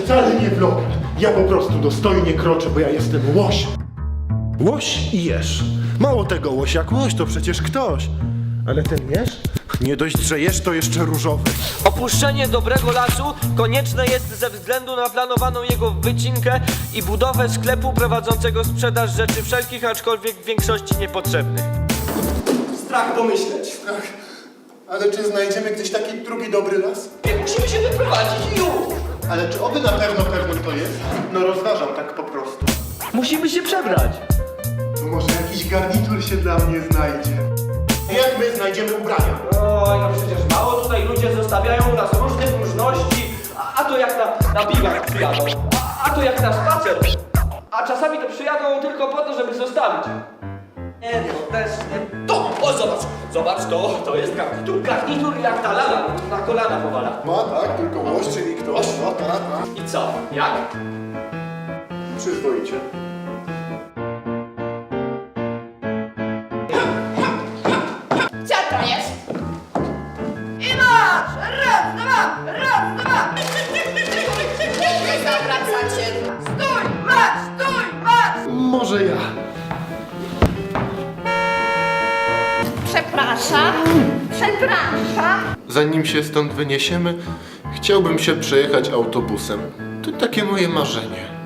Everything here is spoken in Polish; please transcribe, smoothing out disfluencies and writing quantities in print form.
wcale nie vlog. Ja po prostu dostojnie kroczę, bo ja jestem łoś. Łoś i jesz. Mało tego, łoś jak łoś to przecież ktoś. Ale ten jesz? Nie dość, że jesz, to jeszcze różowy. Opuszczenie dobrego lasu konieczne jest ze względu na planowaną jego wycinkę i budowę sklepu prowadzącego sprzedaż rzeczy wszelkich, aczkolwiek w większości niepotrzebnych. Strach pomyśleć. Ach, ale czy znajdziemy gdzieś taki drugi dobry las? Musimy się wyprowadzić już. Ale czy oby na pewno to jest? No rozważam tak po prostu. Musimy się przebrać. To może jakiś garnitur się dla mnie znajdzie. Jak my znajdziemy ubrania? Oj, no przecież mało tutaj ludzie zostawiają u nas różnych różności. A to jak na biwak przyjadą. A to jak na spacer. A czasami to przyjadą tylko po to, żeby zostawić. Nie, no też nie. To! O, zobacz! Zobacz, to jest garnitur. Garnitur jak ta lala na kolana powala. No tak, tylko łoś, czyli ktoś. No tak. I co? Jak? Przyzwoicie. Co to jest? I masz! Raz, dwa! Raz, dwa! Nie zawracacie! Stój! Masz! Stój! Masz! Może ja. Przepraszam! Przepraszam! Zanim się stąd wyniesiemy, chciałbym się przejechać autobusem. To takie moje marzenie.